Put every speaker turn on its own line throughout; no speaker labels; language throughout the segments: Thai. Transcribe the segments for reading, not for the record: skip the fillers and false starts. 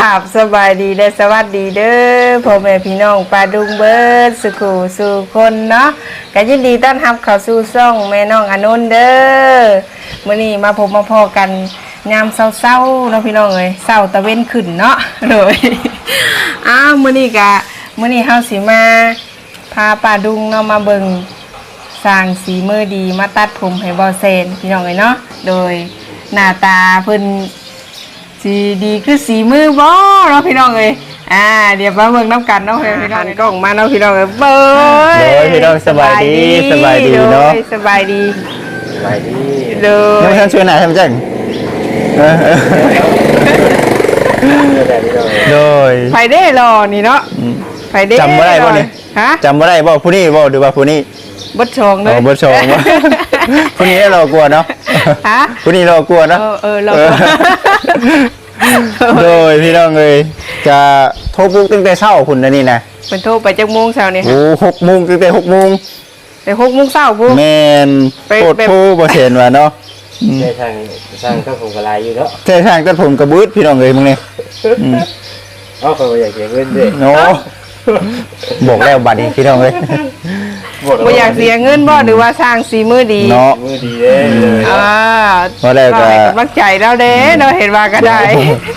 ราบสบายดีและสวัสดีเด้อพ่อแม่พี่น้องปลาดุงเบิร์ดสุขสู่คนเนาะก็ยินดีต้อนรับเข้าสู่ช่องแม่น้องอนุนเด้อมื้อนี้มาพบมาพอกันยามเช้าๆเนาะพี่น้องเอ้ยเช้าตะเว้นขึ้นเนาะเลยมื้อนี้เฮาสิมาพาปลาดุงเนาะมาเบิ่งสร้างสีมือดีมาตัดผมให้บ่เซนพี่น้องเอ้ยเนาะโดยหน้าตาเพิ่นสีดีคือสีมือบ่เนาะพี่น้องเอ้ยเดี๋ยวมาเบิ่งน้ำกันเนาะพี่น้องกล้องมาเนาะพี่น้องเอ้ยเบ้ย
โดยพี่น้องสบายดีเนาะ
สบายดีโดย
น้องท่านช่วยหน่อยทำจังโดย
ไผได้รอนี่เนาะไผได้
จำบ่ได้บ่นี่
ฮะ
จำบ่ได้บ่ผู้นี้บ่หรือว่าผู้นี้
บ่ชงเด้อ
บ่ชงบ่ผู้นี้เรากลัวเนาะ
ฮะ
ผู้นี้เรากลัวเนาะ
เรา
โดยพี่น้องเอ้ยจะโทรปลุกตั้งแต่เช้าพุ่นนะนี่นะ
เพิ่นโทรไปจักโมงเช้านี่
โอ้6 โมงตั้งแต่6 โมง
แต่6 โมงเช้าพุ่น
แม่นโคตรโทรบ่เห็นว่าเนาะ
ใช่ทางตัดผมกระไรอยู่เนาะ
ใช่ทางตัดผมกระบึดพี่น้องเอ้ยมึงนี่
เขาอยากเสียเงินด้วย
โน้บอกแล้วบัดนี้พี่น้องเอ้ย
บ่อยากเสียเงินบ่หรือว่าสร้างสีมือดี
เนาะ
มือดีเลย
บ่ได้ก็
กำลังใจเราเด้เราเห็นว่าก็ได้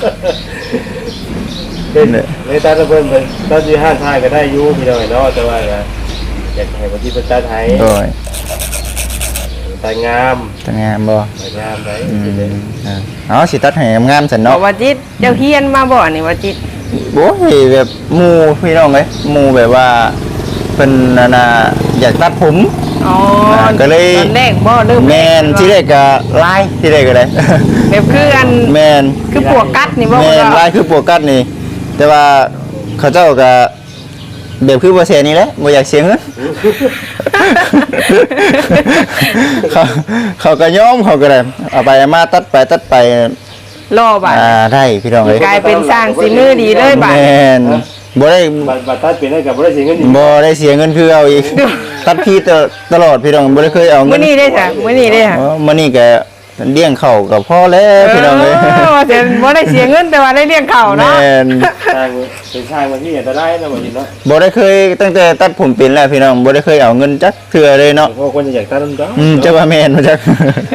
ในตาตะเพิ่นตาที่ห้าทายก็ได้อยู่พี่น้องเนาะแต่ว่าอยากให้คนที่เป็นตาไทย
โดย
ตางาม
บ่
งามได้
สิตัดให้งามซั่นเนาะ
ว่าจิตเจ้าเฮียนมาบ่นี่ว่าจิต
โอ้ยแบบหมู่พี่น้องเอ้ยหมู่แบบว่าเพิ่นน่ะอยากตัดผมก็เลย
ตอนแรกบ่เริ่ม
แม่นที่แรกก็ลายที่แรกก็ได้
แบบคืออัน
แม่น
คือปวกกัดนี่บ่
แม่นลายคือปวกกัดนี่แต่ว่าเขาเจ้าก็แบบคือบ่เสียนี่แหละบ่อยากเสียเงินเขาก็ยอมเขาก็ได้เอาไปมาตัดไป
รอบ่
ได้พี่น้องเอ้ย
กลายเป็นสร้างสีมือดีเลยบ่
แม่นบ่ได้
บัตรตัดเป็นได้กับบ่ได้เสียเงิน
บ่ได้เสียเงินคือเอาอีกตัดพี่ตลอดพี่น้องบ่ได้เคยเอาเงิน
มื้อนี้ได้จ้ะมื้อนี้ได้ค่ะ
มื้อนี้ก็เลี้ยงข้าวกับพ่อแล้วพี่น้องเอ้ย
ว่าแต่บ่ได้เสียเงินแต่ว่าได้เลี้ยงข้าวเนาะ
แม่น
เป็นชายมาที่จะได้นะบ่จิเนาะ
บ่ได้เคยตั้งแต่ตัดผมเป็นแล้วพี่น้องบ่ได้เคยเอาเงินจักเทื่อเลยเนาะ
เพราะคนอยากตัดนำจ้ะ
จักว่าแม่นบ่จัก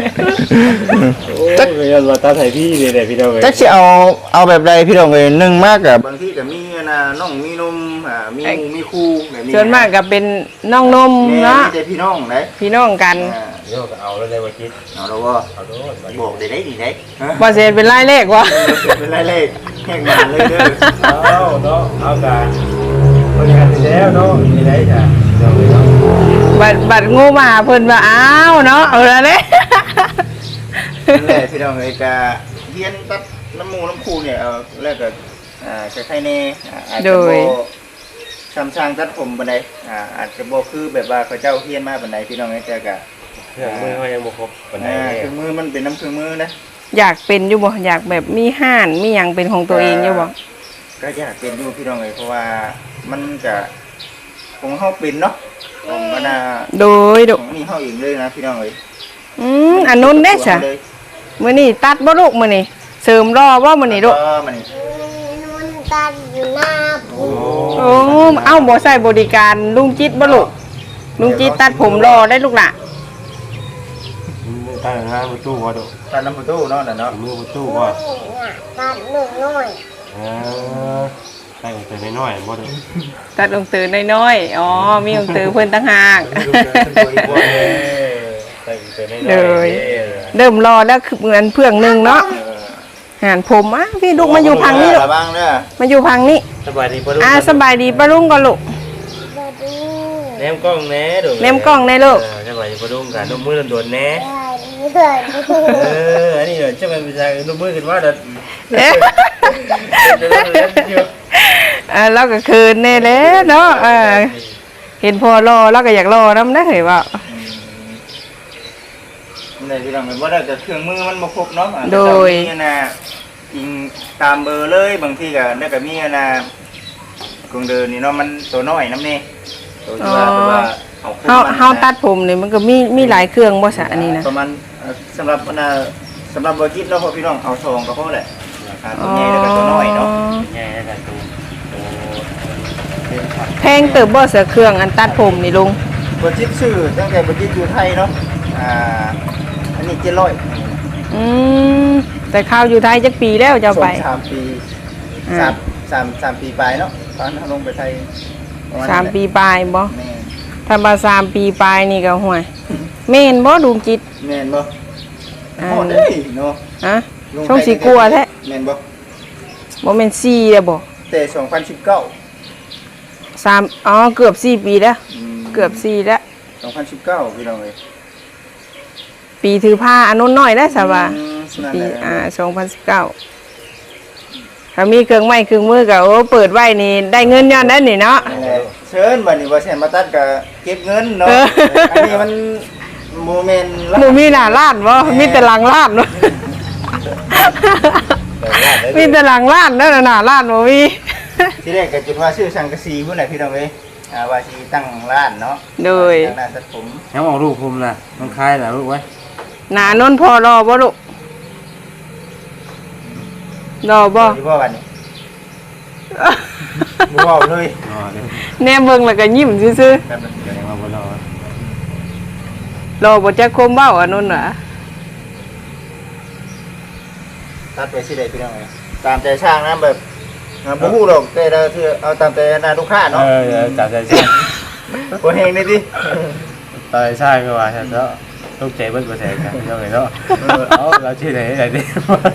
จักก็ว่าตัดให้พี่นี่แหละพี่น้องเอ้ย
จักสิเอาแบบใดพี่น้องเอ้ยนึงมากกับบางทีก็มีน้องมีนมมีหมู่มีคู่แบบนี้
ส่วนมากก็เป็นน้องนมเนาะ
มีแต่พี่น้องเด้
พี่น้องกัน
เดี๋ยวก็เอาแล้วเลยว่าจิ
เอาแล้วบ่เอาโดดบอกได้ดีได้
บ่เสร็จเป็นรายเลขวะ
เป็นรายเลขแข่งกันเลยเด้อ
เอาเนาะเอากันคนงานเสร็จแล้วเนาะมีได้จ้ะ
บัดงูมาเพิ่นว่าอ้าวเนาะเอาแล้วเด้
นั่นแหละพี่น้องเอ้ยก็เฮียนตัดน้ำหมูน้ำคูเนี่ยแล้วก็ใครๆแน่อาจจะบ่ซ้ำซางตัดผมปานใดอาจจะบ่คือแบบว่าเขาเจ้าเฮียนมาปานใดพี่น้องเอ้ยแต่ก็
เครื่องมือเขายังบ่ครบปานใด
เครื่องมือมันเป็นน้ำเครื่องมือนะ
อยากเป็นอยู่บ่อยากแบบมีห้านมีหยังเป็นของตัวเองอยู่บ่
ก็อยากเป็นอยู่พี่น้องเอ้ยเพราะว่ามันก็ของเฮาเป็นเนาะของมัน
โดย
ของนี่เฮาเองเลยนะพี่น้องเอ้ย
อันนู้นเด้จ้ะมื้อนี้ตัดบ่ลูกมื้อนี้เสริมรอบ่มื้อนี้ลูก
นุ่นตัดอยู่หน้าผม
โอ้เอ้าบ่ใส่บริการลุงจิตบ่ลูกลุงจิตตัดผมรอได้ลูกล่ะ
ตัดหน้าประตูว่าดู
ตัดน้ำประตูเนาะน่ะเนาะ
มือประตูว่า
ตัดหนึ่งน้อย
ตัดแต่น้อยบ่ดู
ตัดองตือน้อยๆอ๋อมีองตือเพิ่นต่างหากเลยเริ่มรอแล้วคือเหมือนเพื่องนึงเนาะหานผมพี่ลูกมาอยู่พังนี่ลูกมาอยู่พังนี่
สบายดีป้าลุง
สบายดีป้าลุงก็ลูก
แนมกล้องแน่ดู
แนมกล้องแน่ลูก
สบายดีป้าลุงกันนุ่มมือโดนแน่อันนี้จะเป็นวิชานุ่มมือขึ้นว่าเด็ด
แล้วก็คืนแน่แล้วเนาะเห็นพอรอแล้วก็อยากรอน้ำนะเห็นว่า
ในที่เราเห็นว่าได้แต่เครื่องมือมันมาครบเนาะ
โดย
อิงตามเบอร์เลยบางทีก็ได้กับมีกงเดินนี่เนาะมันตัวน้อยน้ำนี่ตัวที่ว่า
เฮาตัดผมนี่มันก็มีหลายเครื่องบ่ซะอันนี้นะ
ประมาณสำหรับบ่จิตเนาะพี่น้องเอาทองก็พอแหละตัวใหญ่แล้วก็ตัวน้อยเนาะ
งเติบบ่เสือเครื่องอันตัดผมนี่ลุง
บ่จิตชื่อตั้งแต่บ่จิตอยู่ไทยเนาะอันนี้700
แต่ข้าวอยู่ไทยจักปีแล้วจะไป
3 ปี3ปีปลายเนาะตอนลงไปไทยประณ
3 ปีปลายบ่
แม่น
ถ้ามา3 ปีปลายนี่ก็ห่วยแม่นบ่ดวงจิต
แม่นบ่ฮอดเด้เนาะ
ฮะช่องสิกลัวแท้
แม่นบ่
บ่แม่น4แล้วบ่
แต่2019
3อ๋อเกือบ4 ปีแล้วเกือบ4แล้ว
2019พี่น้องเอ้ย
ปีถือผ้าอันนู้นน้อยได้ซะว่า
นั่น
ปี
แหละ
2019ถ้ามีเครื่องไม้เครื่องมือก็โอ้เปิดไว้นี่ได้เงินย้อนได้นี่เนาะ
นั่นแหละเชิญบัดนี้บ่แซ่นมาตัดก็เก็บเงินเนาะ
เออ
อันนี้มันโมเมนต์
บ่มีหน้าร้านบ่มีแต่หลังร้านเนาะมีแต่หลังร้านนั่นน่ะหน้าร้านบ่มี
ที่แรกก็จุดว่าชื่อสังกะสีพุ่นน่ะพี่น้องเอ้ยว่าสิตั้งร้านเนาะ
โดย
ตั้งร้านตัดผม
ยังบอกลูกผมนะมันคลายนะลูกไว้
หน้านนพอรอบ่ลูกรอบ่
อยู่บ่วันนี้บ่เว้าเลย
อ๋อเดี๋ยว
แนมเบิ่งแล้วก็ยิ้มซื่อ
ครับ
เดี๋ยวมาบนรอ
ๆรอบ่จักคมเว้าอันนั้นน่ะ
ตัดไปสิได้พี่น้องเอ้ยตามใจช่างนะแบบบ่ฮู้ดอกแต่ละเทื่อเอาตามใจหน้าลูกค้าเนาะ
จับใจใช่
บ่แฮงได้ติ
ตายใช่ก็ว่าใช่แล้วลูกใจเบิ้ลก็แทงกันยังไงเนาะเอาเราชื่อไหนไหนดิ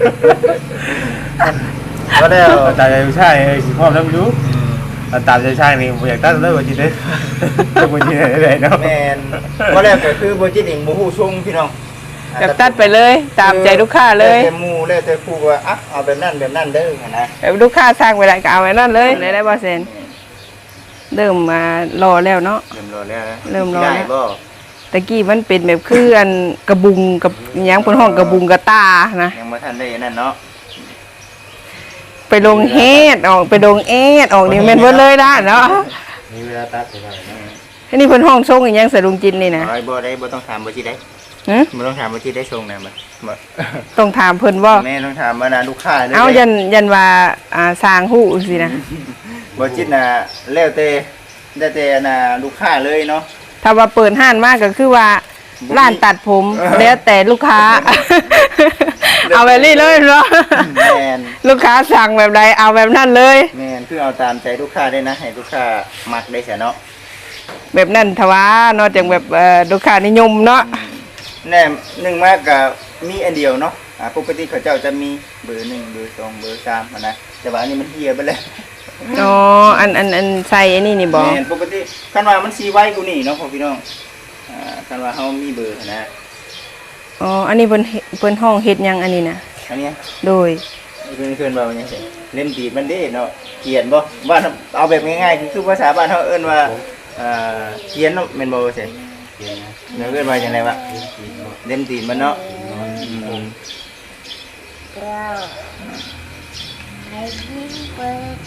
ก็แล้ว
ตายใจใช่พ่อทำรู้ตามใจใช่นี่ผมอยากตั้งได้กว่าจีเด้ต้องมาจีไหนเนาะ
แม่นก็แล้วก็คือบ่จิตเองบ่ฮู้ทรงพี่น้อง
อยากตัดไปเลยตามใจลูกค้าเลย
แต่หมู่แล้วแต่ครูว่าอ่ะเอาแบบนั้นแบบนั้นเด้อหั่นนะ
แบบลูกค้าสร้างไว้ได้ก็เอาไว้นั่นเลยได้บ่เซนเริ่มมารอแล้วเนาะ
เริ่มรอแล้วนะ
เริ่มรอแล้ว
ได้บ่
ตะกี้มันเป็นแบบคืออันกระบุงกับอิหยังเพิ่นห้องกระบุงกระตานะ
ยังบ่ทันได้นั่นเนาะ
ไปลงเฮดออกไปลงเอดออกนี่แม่นเบิดเลยนะเนาะ
มีเวลาตัดไปได้นะ
อันนี้เพิ่นห้องทรงอิหยังสะดุงจินนี่นะ
เอาไว้บ่ได้บ่ต้องถามบ่จิได้
หึ
บ่ต้องถามบ่จิได้ทรงนะบ่
ต้องถามเพิ่นบ่
แม่ต้องถามมานะลูกค้าเด้
เอายันว่าสร้างฮู้สินะ
บ่จิตน่ะแล้วแต่น่ะลูกค้าเลยเนาะ
ถ้าว่าเปิดห้านมากก็คือว่าร้านตัดผมแล้วแต่ลูกค้า เอาแบบนี้เลยเนาะ
แม่น
ลูกค้าสั่งแบบใดเอาแบบนั้นเลย
แม่นคือเอาตามใจลูกค้าได้นะให้ลูกค้ามักได้ซะเนาะ
แบบนั้นทว่าเนอกจากแบบลูกค้านิยมเนาะ
แน่หนึ่งมากก็มีอันเดียวเนาะปกติเขาเจ้าจะมีเบอร์1เบอร์2เบอร์3อะนะแต่ว่าอันนี้มันเหี่ยไปแล้ว
อ๋ออันใส่อันนี้นี่บ่
แม่นปกติคันว่ามันสีไว้กูนี่เนาะพ่อพี่น้องคันว่าเฮามีเบอร์นะ
อ๋ออันนี้เพิ่นห้องเฮ็ดหยังอันนี้นะ
อันเนี้ย
โดย
เพิ่นว่าว่าหยังซี่เล่มตีดมันเด้เนาะเขียนบ่ว่าเอาแบบง่ายๆคือภาษาบ้านเฮาเอิ้นว่าเขียนเนาะแม่นบ่ซี่
เย็นนะ
เนาะเอิ้นว่าจังไดวะเล่มตีดมันเนาะ
เราให้พี่เปิด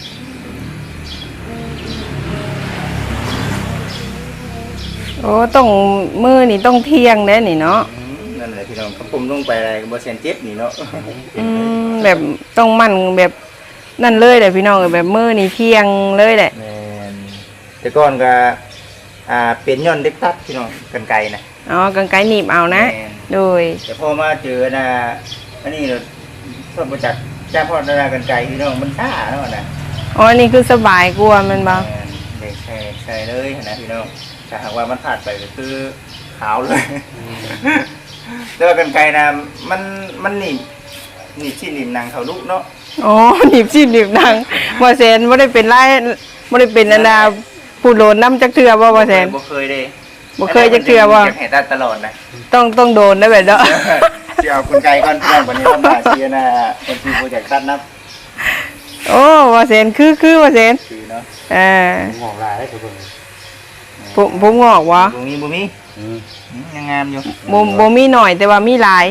โอ้ต้องมือนี่ต้องเที่ยงเด้นี่เนาะ
นั่นแหละพี่น้องครับผมลงไปอะไรก็บ่เซ็นเจ็บนี่เนาะ
แบบต้องมั่นแบบนั่นเลยแหละพี่น้องแบบมือนี่เที่ยงเลยแหละ
แม่นแต่ก่อนก็เป็นย้อนเด็กตัดพี่น้องกันไกลนะ
อ๋อกางไกรหนีบเอานะ
แม่น
โดย
แต่พอมาเจอนะอันนี้เราชอบมาจากจ้าพ่อนากันไกลพี่น้องมันช้าเนาะนะ
อ๋ออันนี่คือสบายกว่ามันบ่
แม่นเด็กใช่เลยนะพี่น้องถ้าหากว่ามันผ่านไปก็คือขาวเลย แต่ว่ากันไกลนะมันหนีบชิ้นหนีบหนังเขาลูกเนาะ
อ๋อหนีบชีพหนีบหนังบ่แซนบ่ได้เป็นไรบ่ได้เป็นอันดาผู้โดนน้ำจักเทื่อบ่แซน
บ่เคยเด้
บ่เคยจักเทื่อบ่
อยากให้ตัดตลอดนะ
ต้องโดนได้แบบเนาะ
สิเอาคนไกลก่อนเพื่อนวันนี้ต้องมาเชียร์นะเป็นทีมโปรเจกต์ตัดนับ
โอ้บ่แซนคือบ่แซน
คือเนาะ
มองลายให้ทุกคน
ผมงอกวะ
ตรงนี้บ่มียังงามอยู่
บ่มีหน่อยแต่ว่ามีหลาย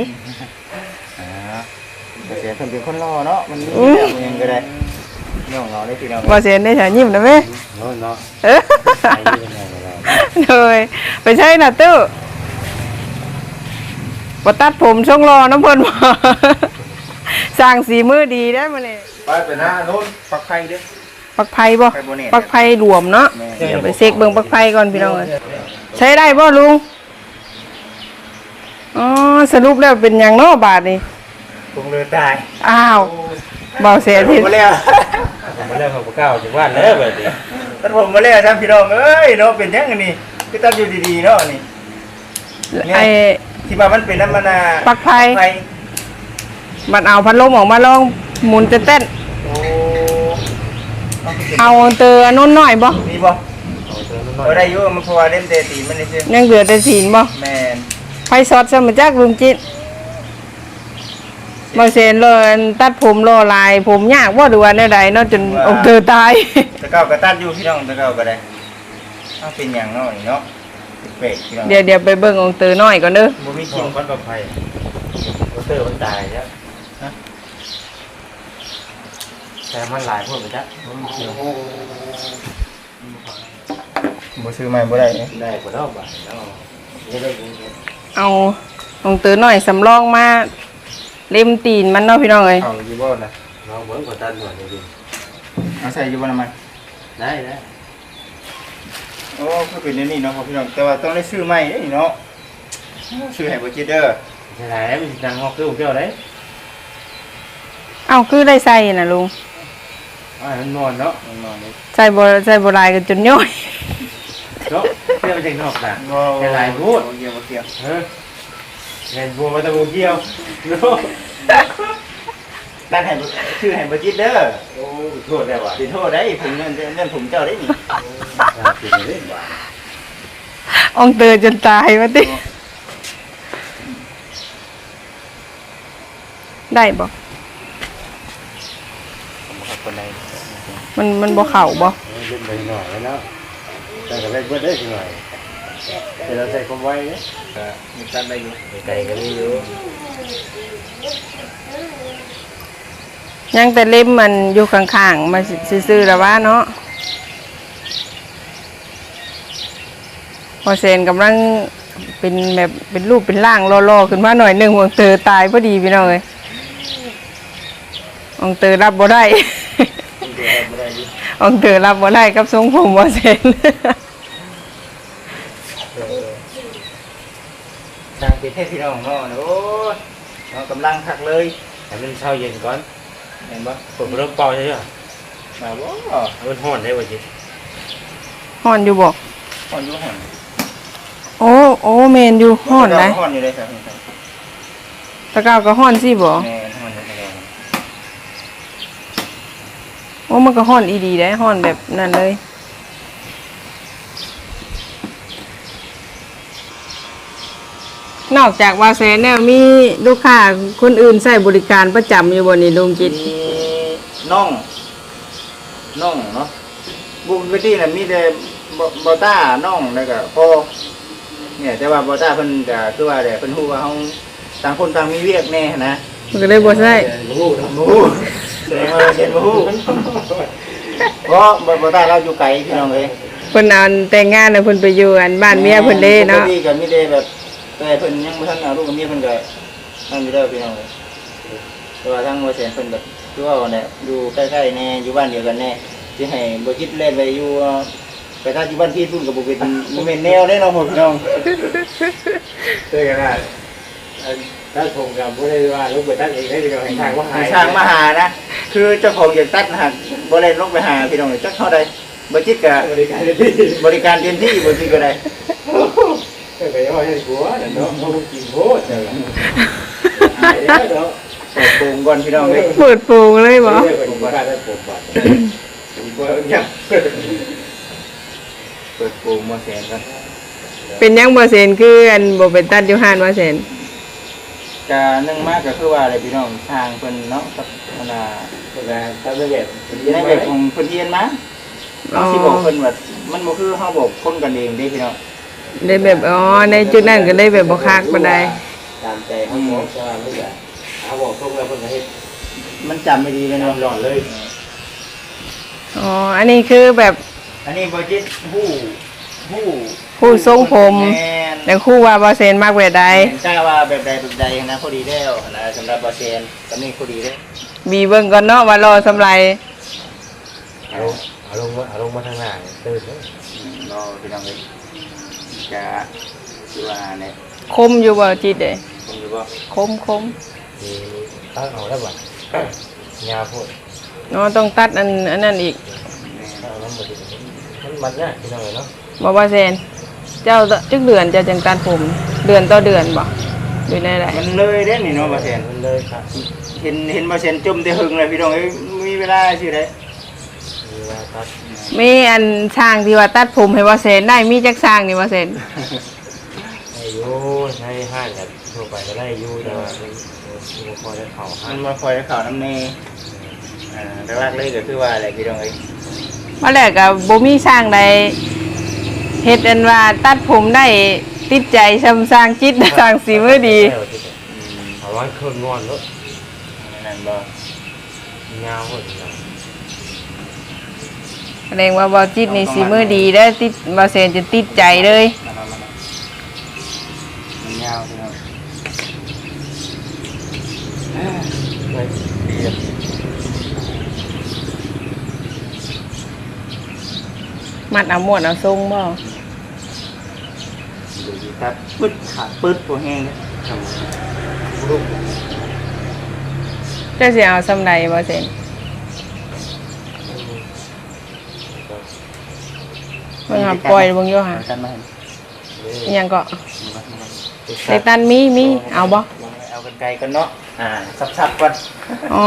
เสียงเพิ่นเป็นคนรอเนาะมันมีแบบยังก็ได้ย่องเราได้พี่น้อง
บ่แซนได้ฉายิ้มนะแม่
เนาะเนาะ
เออ
ใส่ยังไงเรา
เลยไปใช่น่ะตู้บ่ตัดผมช่องรอน้ำเพิ่นบ่ สร้างสีมือดีได้มื้อนี้
ไปหน้าโน้นปักไข่เด้อ
ปลักไผ่บ่
ไผ่บ่แน่
ปลักไผ่รวมเนาะ
แม่
เดี๋ยวไปเช็คเบิ่งปลักไผ่ก่อนพี่น้องเอ้ยใช้ได้บ่ลุงอ๋อสรุปแล้วเป็นหยังเนาะบาดนี้
คงเลยตาย
อ้าวเบาเสียที
มาแล้ว
ผมมาเล่นของเก้าจังหวัดแล้วแบบนี้
ตัดผมมาแล้วท่านพี่น้องเอ้ยเนาะเป็นยังไงนี่คือตัดอยู่ดีๆเนาะนี่
ไอ้
ที่ว่ามันเป็นน้ำมัน
ปลั๊กไฟ
ไฟ
มันเอาพัดลมออกมาลองหมุนเต้น
โอ้
ๆเอาเตออันนู้นหน่อยบ่
มีบ่เอาได้อยู่มันเพราะว่าเล่นเตะตีมันนี่ซื่อ
ยังเหลือแต่สีนบ่
แม่น
ไฟสดซะมาจากลุงจิตบ่เซนเลยตัดผมรอลายผมยากบ่ดูว่าแนวใดเนาะจนอกเธอตาย
ตะเก้าก็ตัดอยู่พี่น้องตะเก้าก็ได้เอาเป็นอย่างเนาะนี่เนาะเป็ดพี่น้อง
เดี๋ยวไปเบิ่งองค์เตอน้อยก่อนเด้อ
บ่มี
กิ
กิ
น
น
ก้อนกับไฟมอเตอร์มันตายแล้วแต่มันหลายพวกไปจ้ะมันเกี่ยว
บ่ซื้อใหม่บ่ได้
ได้กว่าดอกบาทเนาะนี่ได้ยิน
เอาองค์เตอน้อยสำรองมาเล่มตีนมันเนาะพี่น้องเอ้ย
เอาอยู่บ่ล่ะ
น้องเหมือนกับตันหน่อยเลยดิ
เอาใส่อยู่บ่น้ำมัน
ได้ได้
โอ้คือเป็นอย่างนี้เนาะครับพี่น้องแต่ว่าต้องได้ซื้อใหม่เด้นี่เนาะซื้อให้บ่จิตเด้อ
ใช่ไหมมันดังงอกคือผมเจ้าได้
เอ้าคือได้ใส่น่ะลุง
มันนอนเนาะ
นอนๆเลย
ใส่บ่ลายกันจนย่อย
เนาะเที่ยวไปจากนอกน่ะ
บ่
แค่หลายพูด
บ่เกี่ยวบ่เกี่ยว
เออเห็นบัวมาตะบูเกี่ยวเนาะ
ตั้งให้ซื้อให้บ่จิตเด้อ
โอ้โทษได้ว่ะ
สิโทษได้ผมเงินผมเจ้าได้นี่
กินเล่นว่ะ
องค์เตอจนตายว่าติได้บ่
ผมขอบคนใด
มันบ่เข้าบ่
เล่นไปหน่อยแล้วแต่ก็เล่นเพื่อนได้หน่อยแต่เราใส่ความไวเนี่ย
ก็มีตัดได้อยู่
ไก่ก็มีอยู่
ยังแต่เล่มมันอยู่ข้างๆมาซื่อๆแล้วว่าเนาะพอเซนกำลังเป็นแบบเป็นรูปเป็นร่างรอๆขึ้นมาหน่อยหนึงองค์เตอตายพอดีพี่น้องเอ้ยองค์เตอรับบ่ได้
ผมเดี๋ยวบ่ได้อยู่
องค์เตอรับบ่ได้กับทรงผมบ่เซน
ทางประเทศพี่น้องเนาะโอ้ยเนาะกำลังคักเลย
ให้มันเช้าเย็นก่อน
เห็นบ่
ผมเริ่มเป่าใช่ไหม
มาบ่
มันห่อนได้ว่ะจิ
ฮ้อนอยู่บ่
ฮ้อนอยู่ฮ้อน
โอ้แม่นอยู่ฮ้อนได้
ฮ้อนอยู่เลยครับ
ตะกร้าก็ฮ้อนสิบ่
แม่ฮ้อนอยู่แล้ว
โอ้มันก็ฮ้อนอีดีได้ฮ้อนแบบนั้นเลยนอกจากว่าแสนเนี่ยมีลูกค้าคนอื่นใช้บริการประจำอยู่บ่นี่ลุงจิต
มีน้องเนาะบุญไปที่น่ะมีแต่บ่ต้าน้องแล้วก็พ่อเนี่ยแต่ว่าบ่ต้าเพิ่นก็คือว่าเพิ่นฮู้ว่าเฮาต่างคนต่างมีเวียกแน่นะ
มันก็เลยบ่ใช่
บ่ฮู้แสดงว่าเห็นบ่ฮู้เพราะบ่ต้าเราอยู่ไกลพี่น้องเอ้ย
เพิ่นเอาแต่งงานน่ะเพิ่นไปอยู่อันบ้านเมียเพิ่นเด้เนาะ
ปกติก็มีแต่แบบแต่เพิ่นยังบ่ทันเอาลูกกับเมียเพิ่นก็นั่นอยู่แล้วพี่น้องเอ้ยแต่ว่าทางบ่แสนเพิ่นแบบคือว่าเนี่ยอยู่ใกล้ๆแน่อยู่บ้านเดียวกันแน่สิให้บ่คิดเล่นไปอยู่ไปถ้าอยู่บ้านพี่พุ่นก็บ่เป็นบ่แม่นแนวเด้เนาะพี่น้อง
เจอกันได้ถ้าผมกับผู้ใดว่าลูกไปตั้งเองได้ดีกว่าให้ทางว่าหาย
ทางมาหานะ คือเจ้าของอยากตัดนะฮะบ่ได้ลงไปหาพี่น้องจักเท่าใดบ่จิตก็
บริการที่
บริการเต็มที่บ่จิตก็ได้
ก็ไปเอาให้ผัวเนาะเขากินโพดเจ้าหายแล้วเนาะ
เปิดโปงก่อนพี่น้องเอ้ย
เปิดโปงเลยบ่
ผมว่าได้ผมบัดผมว่าเนี่ย
เปิดโปงมาแสนกัน
เป็นหยังบ่เซนคืออันบ่เป็นตัดอยู่ห้านว่าเซน
ก็นึ่งมากก็คือว่าอะไรพี่น้องทางเพิ่นเนาะกับอันน่ะ
คนละทำได้แบบ
ในแบบของเพิ่นเรียนมาเราสิบอกเพิ่นว่ามันบ่คือเฮาบอกคนกันเองเด้พี่น้อง
ได้แบบในจุดนั้นก็เลยแบบบ่คักปานใด
ตามใจเขาบอกว่าไม่ได้เขาบอกทุกแล้วคนก็เฮ็ด
มันจำไม่ดีเลยเนาะ
หลอนเลย
อันนี้คือแบบ
อันนี้บ่จิตฮู้
ผู้ทรงผม
แม่น
แต่ครู่ว่าบ่เซนมากแบบใด
กล้าว่าแบบใดแบบใดนะพอดีแล้วนะสำหรับบ่แซนก็นี่พอดีเด้
มีเบิ่งก่อนเนาะว่ารอสำไร
เอาลงมาทางหน้าตื่นเลย
รอพี่น้องเลยจะคือว่าเนี่ย
คมอยู่บ่จิตเด้
ผมอยู่ว่า
คม
มีตั้งเอาแล้วบ่ยาพูด
เนาะต้องตัดอันนั้นอีก
เอาน้ำมันเนี่ยพี่น้องเนาะ
บ่ว่าแซนเจ้าจักเดือนเจ้าจังตัดผมเดือนต่อเดือนบ่อยู่ในไหน
มันเลยเด้นี่เนาะบาเซน
มันเลยครับ
เห็นบาเซนจมแต่หึงเลยพี่น้องเอ้ยมีเวลาสิได้
มีว่าตัด
มีอันช่างที่ว่าตัดผมให้ว่าแซนได้มีจักช่างนี่ว่าแซน
ให้ยูให้ห้างกันทั่วไปก็ได้ยูแต่ว่าพอจะเข่าห้า
มั
ง
นมาคอยข่าวน้ำเนแรกๆเลยก็คือว่าอะไรพี่น้องเอ้ย
มาแรกก็บ่มีช่างใดเฮ็ดอันว่าตัดผมได้ติดใจชำสร้างจิตสร้างสีมือดี
เอาไว้เครื่องนอนแล้ว
นั่นบ่
ยาวหมด
แสดงว่าบ่จิตนี่สีมือดีเด้อติดบ่แซนจะติดใจเลย
มันยาวพี่น้อง
มัดเอาหมวดเอาทรงบ่
ดูดีครับปึ๊ดขาดปึ๊ดตัวแห้งเลย
ลูก
เจ้าสิเอาซำใดบ่แซนเบิ่งหาปล่อยเบิ่งอยู่หา
กันมาเห็น
อิหยังก็ในตันมีเอาบ่
เอากันไกลกันเนาะสับๆก่อน
อ๋อ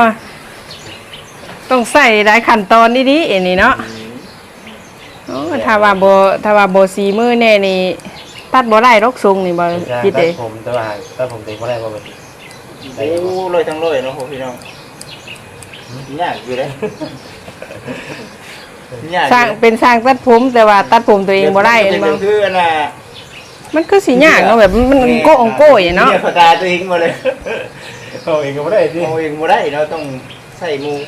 ต้องใส่หลายขั้นตอนดีๆอันนี้เนาะโอ้ถ้าว่าบ่สีมือแน่นี่ตัดบ่ได้ดอกทรงนี่บ่คิดเด้
ผมแต่ว่าถ้าผมเต็มก็ได้ประมาณ
โอ้ลอยทั้งลอยเนาะพี่น้องยากอยู่เลยยาก
สร้างเป็นสร้างตัดผมแต่ว่าตัดผมตัวเองบ่ได้
เห็น
บ่
คืออันน่ะ
มันคือสิยากเนาะแบบมันโก้องโก้อย่างเนาะ
เนี่ยปากกาตัวเองมาเลย
เอาเองก็ไม่ได้สิ
เอาเองบ่ได้เนาะต้องใส่มู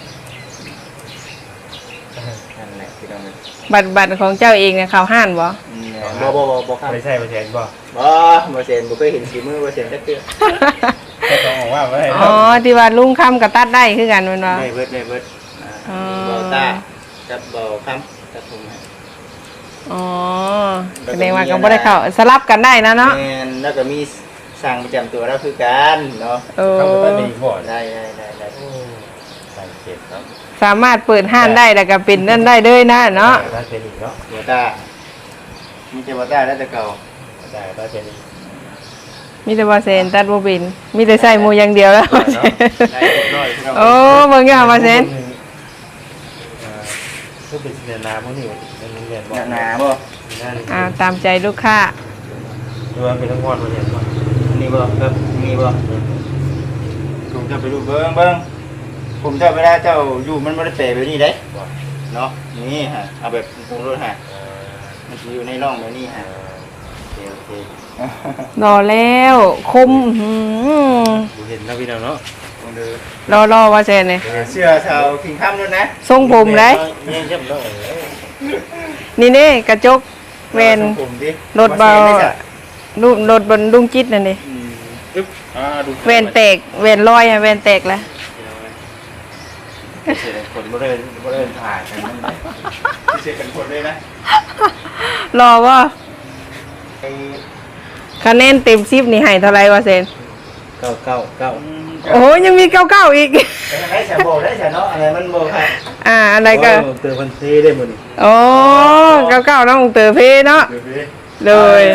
นั่นแหละพี่น้อง
บัตรของเจ้าเองเนี่ยเขาห้านบ่
บ่ครับ
ไม่ใช่ไม่ใช่บ่
บ่เซนบ่เคยเห็นฝีมือบ่เซนจักเทื่อ
ต้องบอกว่าไม่ได้
อ๋อที่ว่าลุงคำกับตัดได้คือกันแม่นบ่
ได้เบิดเบ่ตากับบ่คำกับผม
อ๋อแสดงว่าก็บ่ได้เข้าสลับกันได้นะเนาะ
แม่นแล้วก็มีสั่งประจำตัวแล้วคือกันเนาะ
โอ้
เข้าไปตัดเองก่อน
ได้
ใส่เก็บครับ
สามารถเปิดห้านได้แล้วก็เป็นนั่นได้เลยนะเนาะ
ตัดเป็นอีกเนาะ
บ่ตามีแต่บ่ตาแล้วแต่เก่า
ได้ตัดเป็นอีก
มีแต่ว่าเซนตัดบ่เป็นมีแต่ใส่หมูอย่างเดียวแล้ว
ได้เรียบร้อยพี่น้อง
โอ้เบิ่งอย่ามาเซน
ก็เป็นเรียนนาพวกนี้เรียนบ่
หนาบ่
ตามใจลูกค้า
ดูว่าเป็นทั้งวันมาเรียนบ่
นี่บ่ครับนี่บ่ผมจะไปดูเบิ่งผมจะเวลาเจ้าอยู่มันบ่ได้เปะแบบนี้เด้เนาะนี่ฮะเอาแบบตรงรถฮะมันสิอยู่ในร่องแบบนี้ฮะโอเค
รอแล้วคมอื้อ
ดูเห็นนะพี่น้องเนาะ
ลองดู
รอว่าเซนนี่
เสื้อชาวคิงค่ำด้วยนะ
ทรงผมเลย
เงี้ยเจ็บเนาะ
นี่นี่กระจกเวน
ผมดิ
รถเบาลูกรถบนลุงจิตนั่นนี่
ปึ๊บดู
เวนแตกเวนลอยอะเวนแตกแล้ว
เสียคนบ่ได้ถ่ายกันเสียกันคนเลยนะ
รอว่า
ไอ้
คะแนนเต็ม10นี่ให้เท่าไหร่ว่าเซน
เก้า
โอ้ยังมี99อีก
ได้แชร์โบได้แชร์เนาะอะไรมันโบครับ
อะไรก็
เติมพันซีได้หมด
โอ้99น้องเตอเพเนาะเลย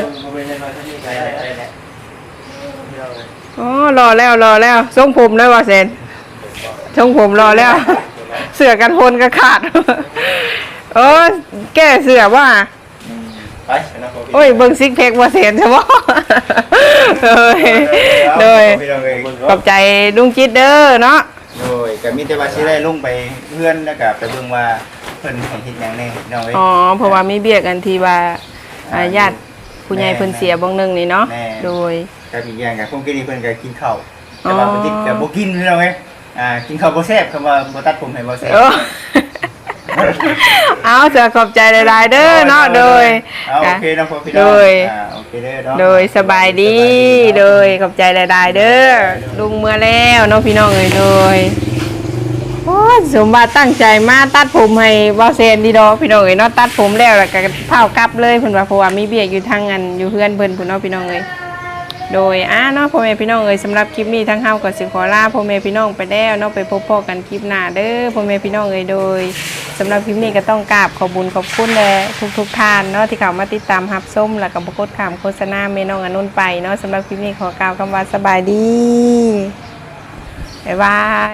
อ๋อรอแล้วทรงผมได้ว่าเซนทรงผมรอแล้ว เสือกันพนก็ขาด แก้เสือว่า
ไป
โอ้ยเบิ่งซิกแพคว่าเซนใช่บ่ เลยขอบใจลุงจิตเด้อเนาะ
โดยก็มีแต่ว่าสิได้ลงไปเพื่อนแล้วก็ไปเบิ่งว่าเพิ่นให้เฮ็ดหยังแน่น้องเอ้ย
อ๋อเพราะว่ามีเบียกันที่ว่าญาติผู้ใหญ่เพิ่นเสียบ่งหนึงนี่เนาะโดย
ก็มีอย่างกับผมกินนี่เพิ่นก็กินข้าวแต่ว่าบ่ติดก็บ่กินพี่น้องเอ้ยกินข้าวบ่แซ่บคำว่าบ่ตัดผมให้บ่แซ่บ
เอาจะขอบใจหลายๆเด้อเนาะโดย
โอเคนะพ่อพี่น้อง
โดย
โอเคเด้อเนาะ
โดยสบายดีโดยขอบใจหลายๆเด้อลุงเมื่อแล้วเน้องพี่น้องเอ้ยโดยโอ้ยสมบัติตั้งใจมาตัดผมให้บ่เซนดีดอกพี่น้องเอ้ยเนาะตัดผมแล้วแล้วก็เผากลับเลยเพิ่นว่าเพราะว่ามีเบียกอยู่ทางอันอยู่เฮือนเพิ่นพุ่นเนาะพี่น้องเอ้ยโดยเนาะพ่อแม่พี่น้องเอ้ยสำหรับคลิปนี้ทั้งเฮาก็สิขอลาพ่อแม่พี่น้องไปแล้วเนาะไปพบพ่อกันคลิปหน้าเด้อพ่อแม่พี่น้องเอ้ยโดยสำหรับคลิปนี้ก็ต้องกราบขอบคุญขอบคุณแลทุกท่านเนาะที่เข้ามาติดตามรับชมแล้วก็บ่กดข้ามโฆษณาแม่น้องอนุนไปเนาะสำหรับคลิปนี้ขอกล่าวคำว่าสบายดีบ๊ายบาย